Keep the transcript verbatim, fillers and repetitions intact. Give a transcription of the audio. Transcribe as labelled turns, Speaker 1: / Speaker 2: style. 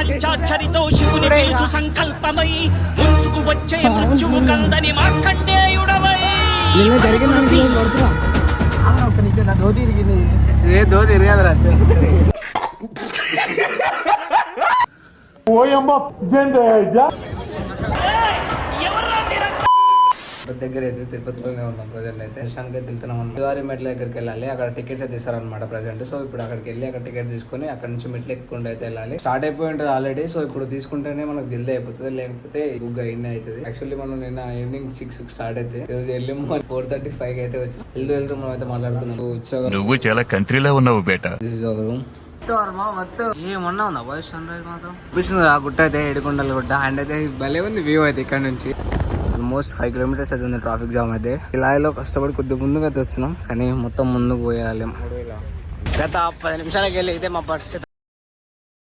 Speaker 1: పంచాక్షరితో శివుని పిలుచు సంకల్పమై ముంచుకు వచ్చే మృత్యువు కందని మార్కండేయుడవై
Speaker 2: దో తిరిగేదిరా దగ్గర అయితే తిరుపతిలోనే ఉన్నాం ప్రజెంట్ అయితే దర్శనానికి అయితే వెళ్తున్నాం అన్నమాట. శ్రీవారి మెట్ల దగ్గరికి వెళ్ళాలి, అక్కడ టికెట్స్ అయితే ఇస్తారనమాట ప్రజెంట్. సో ఇప్పుడు అక్కడికి వెళ్ళి అక్కడ టికెట్స్ తీసుకొని అక్కడ నుంచి మెట్లు ఎక్కుంటే అయితే వెళ్ళాలి. స్టార్ట్ అయిపోయి ఉంటుంది ఆల్రెడీ. సో ఇప్పుడు తీసుకుంటేనే మనకు జల్దీ అయిపోతుంది, లేకపోతే బుక్ అయినా అవుతుంది. యాక్చువల్లీ మనం నిన్న ఈవినింగ్ సిక్స్ స్టార్ట్ అయితే ఈరోజు వెళ్ళి ఫోర్ థర్టీ ఫైవ్ కి అయితే వచ్చి వెళ్తూ వెళ్తూ మనం అయితే మాట్లాడుతున్నాం.
Speaker 3: నువ్వు చాలా కంట్రీలో ఉన్నావు బేటా.
Speaker 2: ఏమన్నా ఉందా వాయిస్ సన్ రైజ్ మాత్రం చూపిస్తుంది. ఆ గుట్ట అయితే ఏడుకొండల గుట్ట అండ్ అయితే భలే ఉంది వ్యూ అయితే ఇక్కడ నుంచి. ఆల్మోస్ట్ ఫైవ్ కిలోమీటర్స్ అయితే ఉంది ట్రాఫిక్ జామ్ అయితే. ఇలాలో కష్టపడి కొద్దిగా ముందుకు అయితే వచ్చినాం, కానీ మొత్తం ముందుకు పోయాలి. గత పది నిమిషాలకి వెళ్ళి అయితే మా పరిస్థితి